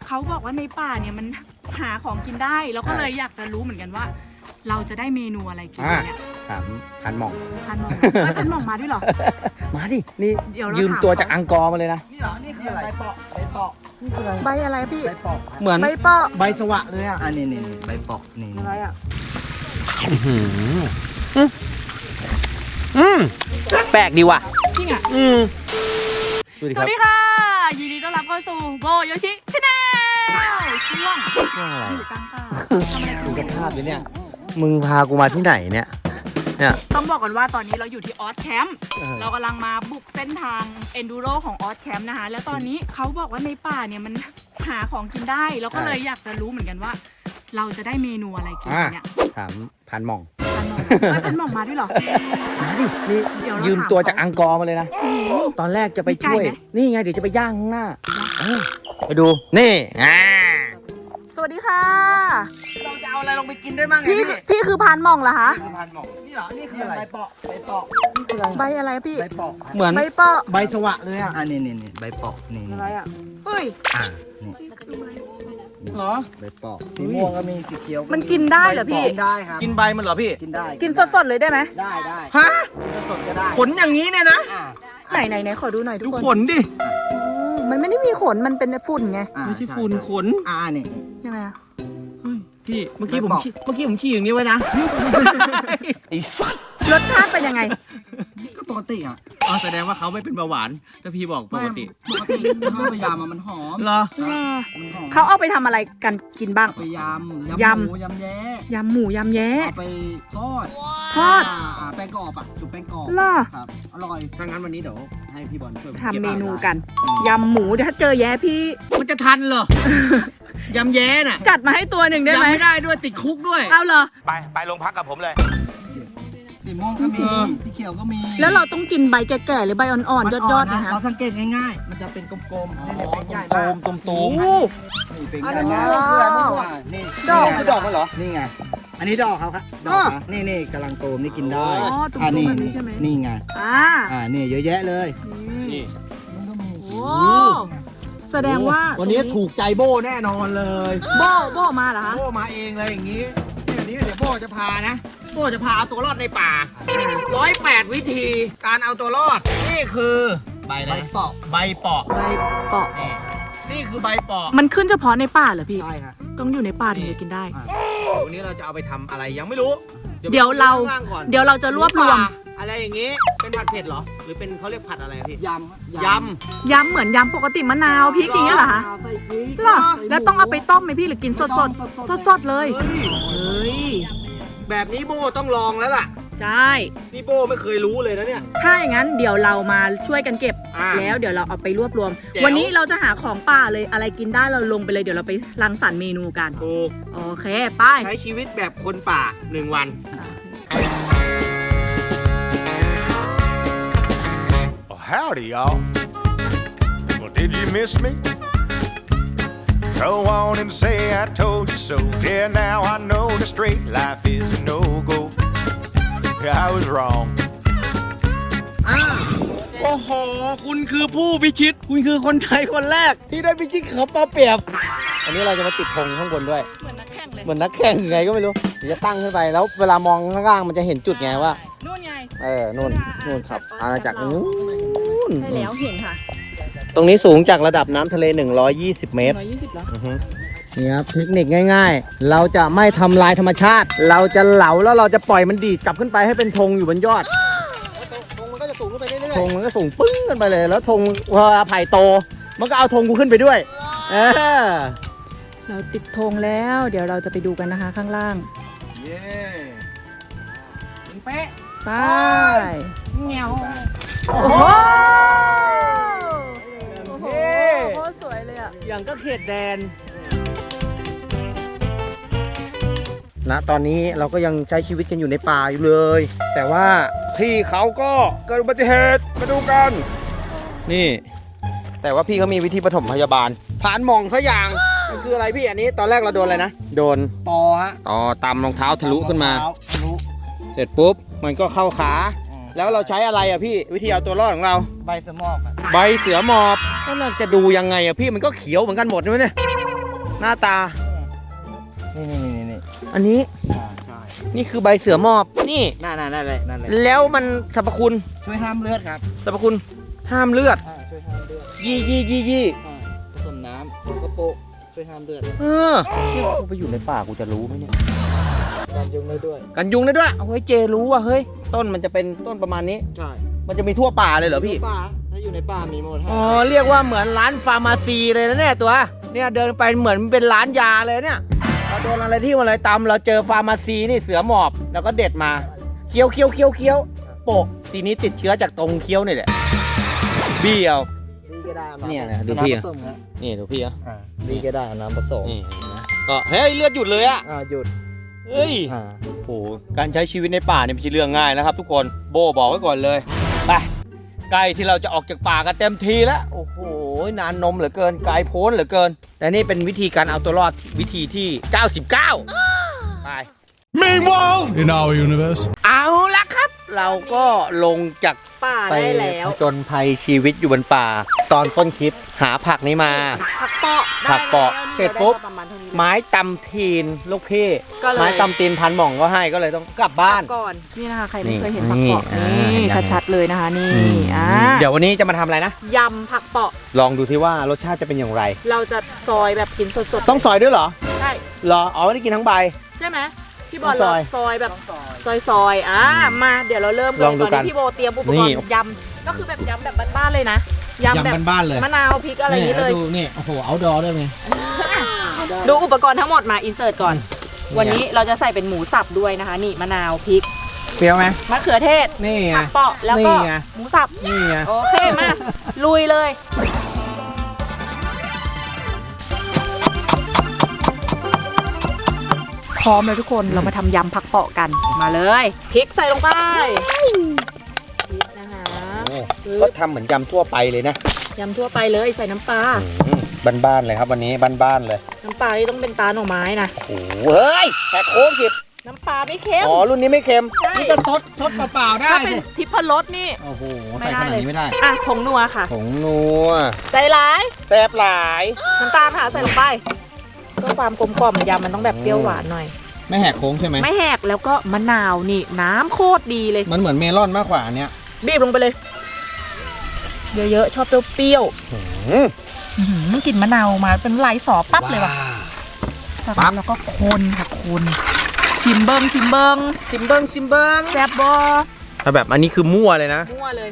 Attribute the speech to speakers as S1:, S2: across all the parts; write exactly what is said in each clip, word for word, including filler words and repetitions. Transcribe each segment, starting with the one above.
S1: เขาบอกว่าในป่าเนี่ยมันหาของกินได้แล้วก็เลยอยากจะรู้เหมือนกันว่า เราจะได้เมนูอะไรกินเนี่ย
S2: ถามพันหม่อง
S1: พันหม่องไม่พันหม่องมาด้วยเหรอ
S2: มาดินี่ยืมตัวจากอังกอร์มาเลยนะนี่เหรอนี่คืออะไรใบเปาะใบเปาะนี่คืออะไร
S1: ใบอะไรพี่
S2: ใบเปาะเหมือน
S1: ใบเปาะ
S2: ใบสวะเลยอ่ะอันนี้นี่ใบเปาะนี่
S1: อะไรอ่ะ
S2: อืมแปลกดีว่ะ
S1: จริงอ่ะ
S2: อืม
S1: สวัสดีค่ะยินดีต้อนรับเข้าสู่โบโยชิชาแนลช่วง
S2: ช่วงอะไร
S1: อยู่กลางป่าทำอะไรกัน
S2: ดูสภาพดิเนี่ยมึงพากูมาที่ไหนเนี่ยเนี่ย
S1: ต้องบอกก่อนว่าตอนนี้เราอยู่ที่ออสแคมป์เรากำลังมาบุกเส้นทางเอนดูโรของออสแคมป์นะคะแล้วตอนนี้เขาบอกว่าในป่าเนี่ยมันหาของกินได้แล้วก็เลยอยากจะรู้เหมือนกันว่า เราจะได้เมนูอะไรกินเนี่ย
S2: ถามพันหม่อง
S1: พันหม่องพันหม่องมาด้วยเหรอ
S2: มาดินี่ยืมตัวจากอังกอร์มาเลยนะตอนแรกจะไปช่วยนี่ไงเดี๋ยวจะไปย่างข้างหน้าไปดูนี่อ่า
S1: สวัสดีค่ะ
S2: เราจะเอาอะไรลงไปกินได้บ้าง
S1: พี่พี่คือพันหม่องเหรอคะ
S2: พันหม่องนี่เหรอนี่คืออะไรใบเปาะใบเปาะ
S1: ใบอะไรพี่
S2: ใบเปาะเหมือน
S1: ใบเปาะ
S2: ใบสวะเลยอ่ะอันนี้นี่นี่ใบเปาะนี่
S1: อะไรอ่ะเฮ้ย
S2: อ่านี่เหรอใบเปาะสีม่วงก็มีสีเขียว
S1: มันกินได้เหรอพี่
S2: กินได้ครับกินใบมันเหรอพี่กินได้
S1: กินสดๆเลยได้ไหม
S2: ได้ได้ฮะกินสดก็ได้ขนอย่างนี้เนี่ยนะ
S1: ไหนไหนไหนขอดูหน่อยทุกคน
S2: ดูขนดิ
S1: มันไม่ได้มีขนมันเป็นฝุ่นไง
S2: ไม่ใช่ฝุ่นขนอ่านี่
S1: ยังไงอ่ะ
S2: พี่เมื่อกี้ผมเมื่อกี้ผมฉี่อย่างนี้ไว้นะไอ้สัตว์
S1: รสชาติเป็นยังไง
S2: ก็ปกติอ่ะอ๋อแสดงว่าเขาไม่เป็นเบาหวานถ้าพี่บอกปกติปกติข้าวพยายามมันหอมเหรอ
S1: เขาเอาไปทำอะไรกันกินบ้าง
S2: ไปยำยำหมูยำแย้
S1: ยำหมูยำแย้
S2: เอาไปทอด
S1: ทอด
S2: แป้งกรอบอ่ะจุ่มแป้งกรอบครับอร่อยถ้างั้นวันนี้เดี๋ยวให้พี่บอลช่วย
S1: ทำเมนูกันยำหมูเดี๋ยวถ้าเจอแย้พี่
S2: มันจะทันเหรอยำแย้น่ะ
S1: จัดมาให้ตัวหนึ่งได้ไหม
S2: ยำไม่ได้ด้วยติดคุกด้วย
S1: เอาเหรอ
S3: ไปไปโรงพักกับผมเลย
S2: สีม่วงก็มีสีเขียวก็มี
S1: แล้วเราต้องกินใบแก่ๆหรือใบอ่อนๆยอดๆนะคะ
S2: เราสังเกตง่ายๆมันจะเป็นกลมๆนี่เป็นใหญ่มากตุ่มๆนี่เป็นใหญ่มากคืออะไรมั่วนี่ดอกคือดอกมันเหรอนี่ไงอันนี้ดอกเขาครับดอกนี่นี่กำลังโตมนี่กินได้
S1: อ๋อตุ่มๆแบบนี้ใช่ไหม
S2: นี่ไงอ่าอ่านี่เยอะแยะเลยนี่มันก็มี
S1: โอ้แสดงว่า
S2: วันนี้ถูกใจโบ้แน่นอนเลย
S1: โบ้โบ้มาเหรอคะ
S2: โบ้มาเองเลยอย่างนี้เดี๋ยวนี้เดี๋ยวโบ้จะพานะโบ้จะพาเอาตัวรอดในป่าร้อยแปดวิธีการเอาตัวรอดนี่คือใบอะไรใบเปาะใบเปาะ
S1: ใบเปาะ
S2: นี่คือใบเปาะ
S1: มันขึ้นเฉพาะในป่าเหรอพี่
S2: ใช่ครับ
S1: ต้องอยู่ในป่าถึงจะกินได้
S2: วันนี้เราจะเอาไปทำอะไรยังไม่รู้
S1: เดี๋ยวเราเดี๋ยวเราจะรวบรวม
S2: อะไรอย่างงี้เป็นผัดเผ็ดเหรอหรือเป็นเขาเรียกผัดอะไรพี่ยำย
S1: ำยำเหมือนยำปกติมะนาวพริกอย่างเงี้ยเหรอคะ
S2: ใส่พริก
S1: หรอแล้วต้องเอาไปต้มไหมพี่หรือกินสดสดสดสดเลยเฮ้ย
S2: แบบนี้โบต้องลองแล้วล่ะ
S1: ใช่
S2: นี่โบไม่เคยรู้เลยนะเนี่ย
S1: ถ้าอย่างนั้นเดี๋ยวเรามาช่วยกันเก็บแล้วเดี๋ยวเราเอาไปรวบรวมวันนี้เราจะหาของป่าเลยอะไรกินได้เราลงไปเลยเดี๋ยวเราไปรังสรรค์เมนูกัน
S2: ถูก
S1: โอเคไป
S2: ใช้ชีวิตแบบคนป่าหนึ่งวัน
S3: Howdy, y'all. Well, did you miss me? Go on and say I told you so. Yeah, now I know the straight life is a no-go. I was wrong.
S2: โอ้โหคุณคือผู้พิชิตคุณคือคนไทยคนแรกที่ได้พิชิตเขาปอเปียบอันนี้เราจะมาติดธงข้างบนด้วย
S1: เหมือนนักแข่งเลย
S2: เหมือนนักแข่งไงก็ไม่รู้เดี๋ยวจะตั้งขึ้นไปแล้วเวลามองข้างล่างมันจะเห็นจุดไงว่า
S1: นู่นไง
S2: เออนู่นนู่นครับอาณาจักรนู้น
S1: ใช่แล้วเห็นค่ะ
S2: ตรงนี้สูงจากระดับน้ำทะเลหนึ่งร้อยยี่สิบเมตร
S1: หนึ่งร้อยยี่สิบแล้ว
S2: นี่ครับเทคนิคง่ายๆเราจะไม่ทำลายธรรมชาติเราจะเหลาแล้วเราจะปล่อยมันดีดกลับขึ้นไปให้เป็นธงอยู่บนยอดธงมันก็จะสูงขึ้นไปเรื่อยๆธงมันก็สูงปึ้งขึ้นไปเลยแล้วธงพอไผ่โตมันก็เอาธงกูขึ้นไปด้วยเออ
S1: เราติดธงแล้วเดี๋ยวเราจะไปดูกันนะคะข้างล่าง
S2: เย้ยิงเป๊ะ
S1: ไป
S2: เงี้ยว
S1: โอ้โหโอ้โหโคตรสวยเลยอ่ะ
S2: อย่างก็เขตแดนณตอนนี้เราก็ยังใช้ชีวิตกันอยู่ในป่าอยู่เลยแต่ว่าพี่เขาก็เกิดอุบัติเหตุมาดูกันนี่แต่ว่าพี่เขามีวิธีปฐมพยาบาลผ่านหม่องเขาอย่างมันคืออะไรพี่อันนี้ตอนแรกเราโดนอะไรนะโดนตอฮะตอตำรองเท้าทะลุขึ้นมาทะลุเสร็จปุ๊บมันก็เข้าขาแล้วเราใช้อะไรอ่ะพี่วิธีเอาตัวรอดของเราใบเสือหมอบใบเสือหมอบแล้วเราจะดูยังไงอ่ะพี่มันก็เขียวเหมือนกันหมดใช่ไหมเนี่ยหน้าตา
S4: นี่นี่นี่นี่
S2: อันนี้
S4: อ่าใช่
S2: นี่คือใบเสือหมอบนี่
S4: นั่นนั่นนั่นเลยนั่นเลย
S2: แล้วมันสรรพคุณ
S4: ช่วยห้ามเลือดครับ
S2: สรรพคุณห้ามเลือด
S4: อ่าช่วยห้ามเลือด
S2: ยี่ยี่ยี่ยี่
S4: อ่าผสมน้ำแล้วก็โปะช่วยห้ามเลือด
S2: เออที่กูไปอยู่ในป่ากูจะรู้ไหมเนี่ย
S4: การยุงได้ด้วย
S2: กันยุงได้ด้วยเอาเฮ้ยเจรู้อ่ะเฮ้ยต้นมันจะเป็นต้นประมาณนี้
S4: ใช่
S2: มันจะมีทั่วป่าเลยเหรอพี่
S4: ป่าถ้าอยู่ในป่ามีหมดฮะ
S2: อ๋อเรียกว่าเหมือนร้านฟาร์มาซีเลยนะเนี่ยตัวเนี่ยเดินไปเหมือนเป็นร้านยาเลยเนี่ยเราโดนอะไรที่มันอะไรตำเราเจอฟาร์มาซีนี่เสือหมอบแล้วก็เด็ดมาเคี้ยวเคี้ยวเคี้ยวเคี้ยวโปะทีนี้ติดเชื้อจากตรงเคี้ยวนี่แหละเบี้ยว
S4: ดีก็ได้อาำ
S2: เนี่ยนะดูพี่
S4: น้ำผสมฮะ
S2: นี่ดูพี่อ่ะ
S4: อ่าดีก็ได้เอาน้ำผสม
S2: นี่นะก็เฮ้ยเลือดหยุดเลยอ่ะ
S4: อ่าหยุด
S2: เฮ้ย
S4: อ่า
S2: โอ้โหการใช้ชีวิตในป่าเนี่ยไม่ใช่เรื่องง่ายนะครับ ทุกคนโบบอกไว้ก่อนเลยไปใกล้ที่เราจะออกจากป่ากันเต็มทีแล้วโอ้โหนานนมเหลือเกินไกลโพ้นเหลือเกิน แต่นี่เป็นวิธีการเอาตัวรอดวิธีที่เก้าสิบเก้าไป
S3: Meanwhile, in our universe.
S2: เอาละครับ เราก็ลงจาก
S1: ป่า
S2: ไป
S1: ได้แล้ว
S2: จนภัยชีวิตอยู่บนป่า ตอนต้นคลิปหาผักนี้มา
S1: ผักเปาะ
S2: ผักเปาะ
S1: ได้แล้ว
S2: เสร็จปุ๊บ
S1: ได้ประมาณเท่านี้เลย
S2: ไม้ตำทีนลูกพี่
S1: ก็เลย
S2: ไม้ตำตีนพันหม่องก็ให้ก็เลยต้องกลับบ้าน
S1: ก่อนนี่นะคะใคร
S2: นี่
S1: ไม่เคยเห็นผักเปาะ
S2: นี่
S1: นี่
S2: อ่า
S1: ชัดๆเลยนะคะนี่อ่า
S2: เดี๋ยววันนี้จะมาทำอะไรนะ
S1: ยำผักเปาะ
S2: ลองดูที่ว่ารสชาติจะเป็นอย่างไร
S1: เราจะซอยแบบกินสดๆ
S2: ต้องซอยด้วยเหรอ
S1: ใช่
S2: เหรออ๋อไม่ได้กินทั้งใบ
S1: ใช่ไหมพี่บอล
S2: ต้องซ
S1: เรา
S2: อย
S1: ซอยแบบซอยๆอ่ามาเดี๋ยวเราเริ่มเลย
S2: ลองดู
S1: ตอน
S2: กัน
S1: นี้พี่โบเตรียมอุป
S2: นี่
S1: กรณ์ยำก็คือแบบยำแบบบ้านๆเลยนะยำแบบ
S2: บ้านๆเลย
S1: มะนาวพริกอะไรอย่างนี้เลย
S2: ดูนี่โอ้โหเอาดอด้วยไง
S1: ดูอุปกรณ์ทั้งหมดมาอินเสิร์ตก่อน วันนี้เราจะใส่เป็นหมูสับด้วยนะคะ นี่มะนาวพริก
S2: เปรี้ยวไหม
S1: มะเขือเทศ
S2: นี่ไง
S1: ผักเปาะแล้วก็
S2: นี่ไง
S1: หมูสับ
S2: นี่ไง
S1: โอเคมา ลุยเลย พร้อมเลยทุกคนเรามาทำยำผักเปาะกันมาเลยพริกใส่ลงไปพริกนะคะ
S2: โอ้ก็ทำเหมือนยำทั่วไปเลยนะ
S1: ยำทั่วไปเลยใส่น้ำปลา
S2: อืมบ้านๆเลยครับวันนี้บ้านๆเลย
S1: น้ำปลานี่ต้องเป็นตาหน่อไม้นะ
S2: โอ้โหเฮ้ยแต่โค้งสิบ
S1: น้ำปลาไม่เค็ม
S2: อ๋อรุ่นนี้ไม่เค็ม
S1: ใช่
S2: นี่จะซดซดเปล่าๆได้
S1: ถ้าเป็น
S2: สิ
S1: ทิพรสนี่
S2: โอ้โห
S1: ไม่
S2: ใส่
S1: ได้
S2: ขนาด
S1: เลย
S2: นี้ไม่ได้
S1: อ่ะผงนัวค่ะ
S2: ผงนัว
S1: ใจร้าย
S2: แซ่บหลาย
S1: น้ำตาลค่ะใส่ลงไปเพื่อความกลมกล่อมยำมันต้องแบบเปรี้ยวหวานหน่อย
S2: ไม่แหกโค้งใช่ไหม
S1: ไม่แหกแล้วก็มะนาวนี่น้ำโคตรดีเลย
S2: มันเหมือนเมลอนมากกว่าอันเนี้ย
S1: บีบลงไปเลย เยอะๆชอบเปรี้ยว
S2: อืม
S1: ๆอื้อหือมันกลิ่นมะนาวมาเป็นลายสอปั๊บเลยว่ะจากนั้นเราก็คนค่ะคนชิมเบิงชิมเบิง
S2: ซิมเบิงซิมเบิง
S1: แซ่บบอ
S2: ถ้าแบบอันนี้คือมั่วเลยนะ
S1: มั่วเลย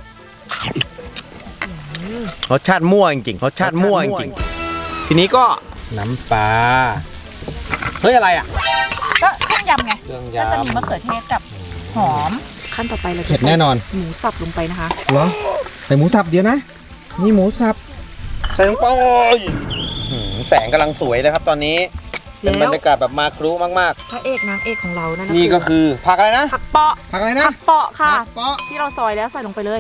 S2: รสชาติมั่วจริงๆรสชาติมั่วจริงๆทีนี้ก็น้ำปลาเฮ้ยอะไรอ่ะ
S1: ก็เครื่องยำไง
S2: เครื่อง
S1: ก็
S2: ยำ
S1: จะมีมะเขือเทศกับหอมขั้นต่อไปเราจะ
S2: เผ็ด
S1: ใส่
S2: แน่นอน
S1: หมูสับลงไปนะคะ
S2: เหรอใส่หมูสับเดียวนะ นี่หมูสับใส่ลงไปหืมแสงกำลังสวยเลยครับตอนนี้เป็นบร
S1: แล้ว
S2: รยากาศแบบมาครุมาก
S1: พระเอกนางเอกของเรานั่น
S2: ๆนี่ก็คือผักอะไรนะ
S1: ผักเปาะ
S2: ผักอะไรนะ
S1: ผักเปาะค่ะ
S2: ผักเปาะ
S1: ที่เราซอยแล้วใส่ลงไปเลย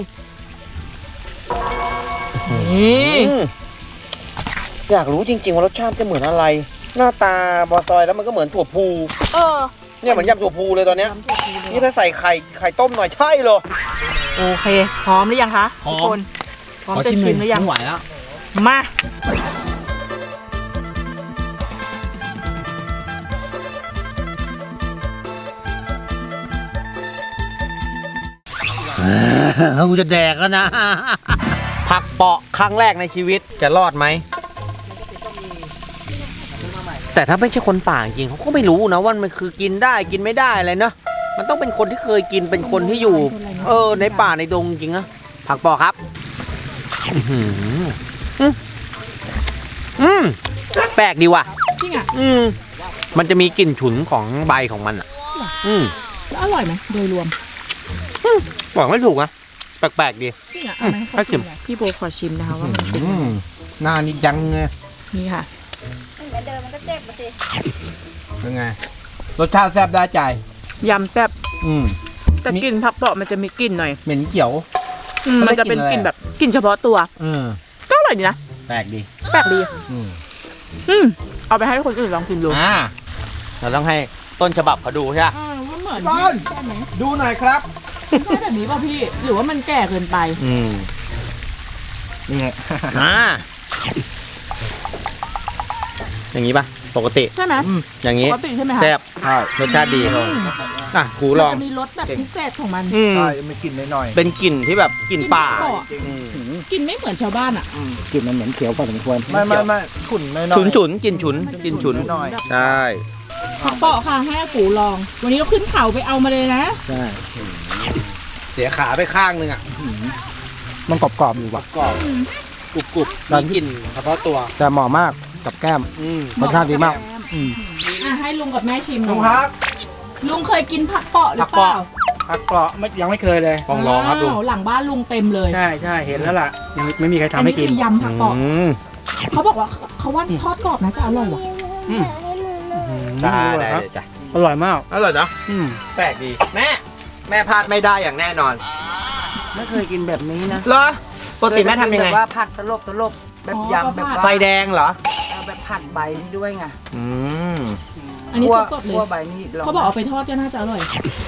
S1: นี่
S2: อืมอยากรู้จริงๆว่ารสชาติจะเหมือนอะไร หน้าตาบอซอยแล้วมันก็เหมือนถั่วพู
S1: เออ
S2: เนี่ยเหมือนยำถั่วพูเลยตอนเนี้ย
S1: น้ำถั่วพูเลย
S2: นี่ถ้าใส่ไข่ไข่ต้มหน่อยใช่เลย
S1: โอเค พร้อมหรือยังคะ
S2: พร้อม
S1: ทุกคนพร้อมจะชิมหรือยัง
S2: ไม่ไหวแล้ว
S1: มา
S2: กูจะแดกแล้วนะ ผักเปาะครั้งแรกในชีวิตจะรอดไหม แต่ถ้าไม่ใช่คนป่าจริงเขาก็ไม่รู้นะว่ามันคือกินได้กินไม่ได้อะไรเนาะมันต้องเป็นคนที่เคยกินเป็นคนที่อยู่ เออในป่าในดงจริงนะผักเปาะครับอื้อหืออืมอืมแปลกดีว่ะ
S1: จริงอ่ะ
S2: อืมมันจะมีกลิ่นฉุนของใบของมันอ่ะ อืม
S1: แล้วอร่อยไหมโดยรวม
S2: บอกไม่ถูกนะแปลกๆดี
S1: จริงอ่ะเอาไหม
S2: ให้ชิม
S1: พี่โบขอชิมนะคะว่ามันเป็น
S2: อืมหน้านี่ยังไง
S1: นี่ค่ะ
S2: เป็นไงรสชาติแซ่บได้ใจ
S1: ยำแซ่บ
S2: อืม
S1: แต่กลิ่นผักเปาะมันจะมีกลิ่นหน่อย
S2: เหม็นเขียว
S1: อืม
S2: เขาเรี
S1: มั
S2: ย
S1: น
S2: ก
S1: จะเป็น
S2: ก
S1: ก
S2: ลิ่
S1: ลิ่
S2: น
S1: น
S2: อะไร
S1: แบบกลิ่นเฉพาะตัว
S2: เออ
S1: ก็อร่อยดีนะ
S2: แปลกดี
S1: แปลกดี
S2: อืม
S1: อืมเอาไปให้คนอื่นลองชิมดู
S2: อ่าเราต้องให้ต้นฉบับเขาดูใช่ไหม
S1: อ่ามันเหมือน
S2: ต้น
S1: ใช่ไหม
S2: ดูหน่อยครับ
S1: ใช่แบบนี้ป่ะพี่ หรือว่ามันแก่เกินไป
S2: อืม
S4: นี่ไง
S2: อ่าเอย่างนี้ปะปกติ
S1: ใช่ไหม
S2: อย่าง
S1: ป
S2: นี้
S1: กติใช่ไหมคะ
S2: แซ่บรสชาติดีเขาอ่ะกูลอง
S1: มันจะมีรสแบบพิเศษของมัน
S2: อืม
S4: ใช่มีกลิ่นหน่อย
S2: เป็นกลิ่นที่แบบกลิ่นป่า
S1: อืมกลิ่นไม่เหมือนชาวบ้านอ่ะ
S4: ๆกลิ่นมันเหม็นเขียวพอสมควรไม่ไม่ไม่ขุ่นหน่อยๆ
S2: ฉุนฉุนกลิ่นฉุนกลิ่นฉุน
S4: หน่อย
S2: ใช่
S1: ผักเปาะค่ะให้อากูลอง วันนี้เราขึ้นเขาไปเอามาเลยนะ
S4: ใช่
S2: เสียขาไปข้างนึงอ่ะ
S4: มันกรอบๆอยู่ว่ะ
S2: กรอบกรุบกรุบมีกลิ่นเฉพาะตัว
S4: แต่เหมาะมากกับแก้ม
S2: อืม
S4: รสชาติดีมาก อืม
S1: อ่ะให้ลุงกับแม่ชิมหน่
S2: ลุ
S1: อง ย
S2: ครับ
S1: ลุงเคยกินผักเปาะหรือเปล่า
S5: ผักเปาะไม่ยังไม่เคยเลย
S2: ลองลองครับลุง
S1: าวหลังบ้านลุงเต็มเลย
S5: ใช่ใช่เห็นแล้วล่ะ ยังไม่มีใคร
S1: อั
S5: ทำ
S1: น
S5: ให้
S1: นี้
S5: กิน
S1: คือยำผักเปาะ
S2: อืม
S1: เขาบอกว่าเขาว่าทอดกรอบนะจะอร่อยว่ะ
S5: อืม
S2: ได้
S5: อร่อ
S2: ได้
S5: ยครับ
S2: เลยจ้ะ
S5: อร่อยมาก
S2: อร่อยเนาะ
S5: อืม
S2: แปลกดี แม่ แม่พลาดไม่ได้อย่างแน่นอน
S6: ไม่เคยกินแบบนี้นะ
S2: เหรอปกติแม่ทำยังไง
S6: แบบว่าผัดตลบตลบแบบยำแบบว่า
S2: ไฟแดงเหรอ
S6: เอาแบบผัดใบนี่ด้วยไง
S2: อืม
S1: อันนี้
S6: คั่ว
S1: สดๆเล
S6: คั่วย ใบนี่ลง
S1: เขาบอกเอาไปทอดก็น่าจะอร่อย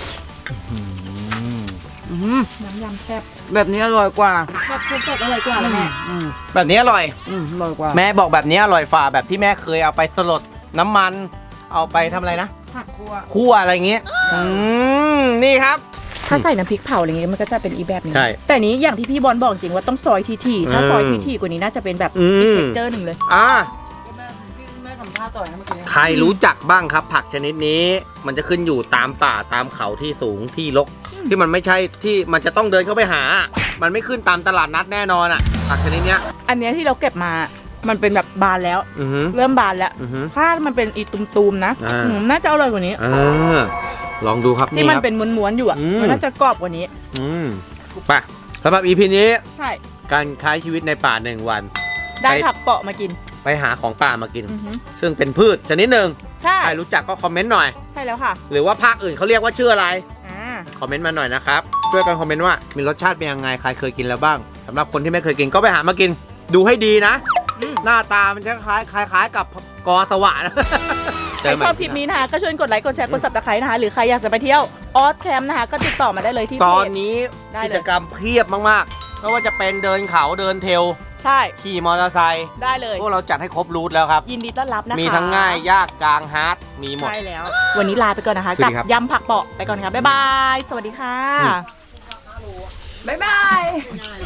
S6: อื้อหือ
S1: น้ำยำแซ่บ
S6: แบบนี้อร่อยกว่า
S1: แบบสดๆอร่อยกว่าแล้วแม่
S6: อืม
S2: แบบนี้อร่อย
S6: อืมอร่อยกว่า
S2: แม่บอกแบบนี้อร่อยฝ่าแบบที่แม่เคยเอาไปสลดน้ำมัน เอาไปทำอะไรนะ
S6: ผัดคั่ว
S2: คั่วอะไรอย่างเงี้ย อืม นี่ครับ
S1: ถ้าใส่น้ำพริกเผาอะไรเงี้ยมันก็จะเป็นอีกแบบหนึง
S2: ใช่
S1: แต่นี้อย่างที่พี่บอลบอกจริงว่าต้องซอยทีๆถ้า
S2: อืม
S1: ซอยทีๆกว่านี้น่าจะเป็นแบบ
S2: อืม
S1: อีกเท็กเจอร์หนึ่งเลย
S2: อ่า
S6: แม่แม่ทำท่าต่อยนะเมื่อกี้
S2: ใครรู้จักบ้างครับ ผักชนิดนี้ มันจะขึ้นอยู่ตามป่าตามเขาที่สูงที่รกที่มันไม่ใช่ที่มันจะต้องเดินเข้าไปหา มันไม่ขึ้นตามตลาดนัดแน่นอนอ่ะ ผักชนิดเนี้ย
S1: อันเนี้ยที่เราเก็บมา มันเป็นแบบบานแล้ว
S2: อือหือ
S1: เริ่มบานแล้ว
S2: อือหือ
S1: ถ้ามันเป็นอีตุมๆนะ
S2: อ่า
S1: อืมน่าจะอร่อยกว่านี้
S2: อ่าลองดูครับ
S1: ที่มัน
S2: ครับ
S1: เป็นม้วนๆอยู่อ่ะ
S2: อืม
S1: มันน่าจะกรอบกว่านี้
S2: อืมไปสำหรับ อี พี นี้
S1: ใช่
S2: การใช้ชีวิตในป่าหนึ่งวัน
S1: ได้
S2: ไป
S1: ผักเปาะมากิน
S2: ไปหาของป่ามากิน
S1: อือหือ
S2: ซึ่งเป็นพืชชนิดหนึ่ง
S1: ใช่
S2: ใครรู้จักก็คอมเมนต์หน่อย
S1: ใช่แล้วค่ะ
S2: หรือว่าภาคอื่นเขาเรียกว่าชื่ออะไร
S1: อ่า
S2: คอมเมนต์มาหน่อยนะครับช่วยกันคอมเมนต์ว่ามีรสชาติเป็นยังไงใครเคยกินแล้วบ้างสำหรับคนที่ไม่เคยกินก็ไปหามากิน ดูให้ดีนะ
S1: อืม
S2: หน้าตามันจะคล้ายคล้ายคล้ายกับกอสวะนะ
S1: ใครชอบคลิปนี้นะคะก็ช่วยกดไลค์กดแชร์กด ซับสไครบ์นะคะหรือใครอยากจะไปเที่ยวออสแคมป์นะคะก็ติดต่อมาได้เลยที่
S2: ตอน
S1: เพจ
S2: นี้
S1: ได้
S2: กิ
S1: เลย
S2: จกรรมเพียบมากๆไม่ว่าจะเป็นเดินเขาเดินเทรล
S1: ใช่
S2: ขี่มอเตอร์ไซค์
S1: ได้เลย
S2: พวกเราจัดให้ครบรูทแล้วครับ
S1: ยินดีต้อนรับนะคะ
S2: มีทั้งง่ายยากกลางฮาร์ดมีหมด
S1: ใช่แล้ว วันนี้ลาไปก่อนนะคะ
S2: สวั
S1: กั
S2: สดีครับ
S1: ยำผักเปาะไปก่อนค่ะบ๊ายบาย สวัสดีค่ะ
S6: บ๊ายบาย